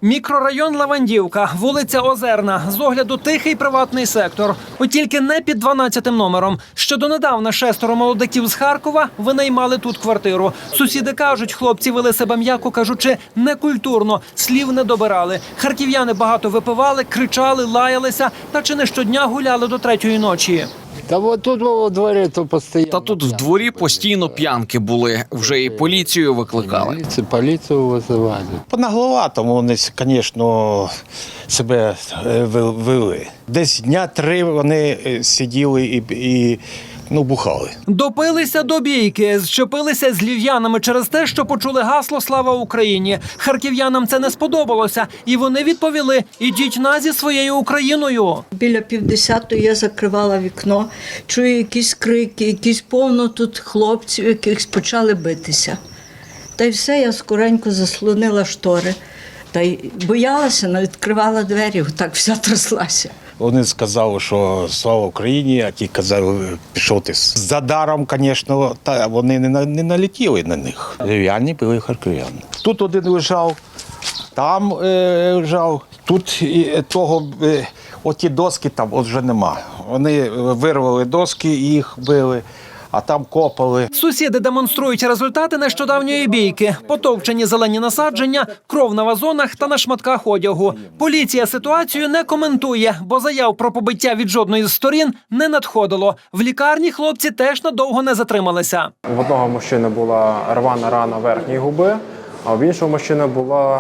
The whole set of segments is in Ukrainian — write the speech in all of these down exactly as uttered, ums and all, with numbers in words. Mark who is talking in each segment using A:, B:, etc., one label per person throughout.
A: Мікрорайон Лавандівка, вулиця Озерна. З огляду тихий приватний сектор. От тільки не під дванадцятим номером. Ще донедавна шестеро молодиків з Харкова винаймали тут квартиру. Сусіди кажуть, хлопці вели себе, м'яко кажучи, некультурно. Слів не добирали. Харків'яни багато випивали, кричали, лаялися та чи не щодня гуляли до третьої ночі.
B: Та от тут у дворі то постійно.
C: Та тут в дворі постійно п'янки були. Вже і поліцію викликали.
B: Поліцію, поліцію визивали.
D: Понагловатому вони, звісно, себе е, вели. Десь дня три вони сиділи і, і ну, бухали.
A: Допилися до бійки, зчепилися з львів'янами через те, що почули гасло «Слава Україні». Харків'янам це не сподобалося, і вони відповіли «Ідіть на зі своєю Україною».
E: Біля півдесятої я закривала вікно, чую якісь крики, якісь повно тут хлопців, яких почали битися. Та й все, я скоренько заслонила штори. Та й боялася, не відкривала двері, так вся тряслася.
D: Вони сказали, що слава Україні, а ті казали, пішов ти. За даром, звісно, та вони не, на- не налетіли на них. Львів'яни були харків'яни. Тут один лежав, там е, лежав, тут і того, е, оті доски там от вже нема. Вони вирвали доски і їх били, а там копали.
A: Сусіди демонструють результати нещодавньої бійки. Потовчені зелені насадження, кров на вазонах та на шматках одягу. Поліція ситуацію не коментує, бо заяв про побиття від жодної з сторін не надходило. В лікарні хлопці теж надовго не затрималися.
F: В одного мужчини була рвана рана верхньої губи, а в іншого мужчини була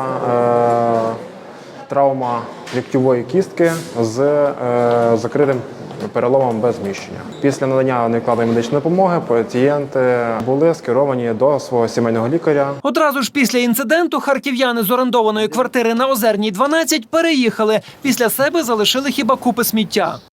F: е, травма ліктьової кістки з е, закритим переломом без зміщення. Після надання невідкладної медичної допомоги пацієнти були скеровані до свого сімейного лікаря.
A: Одразу ж після інциденту харків'яни з орендованої квартири на Озерній, дванадцять переїхали. Після себе залишили хіба купи сміття.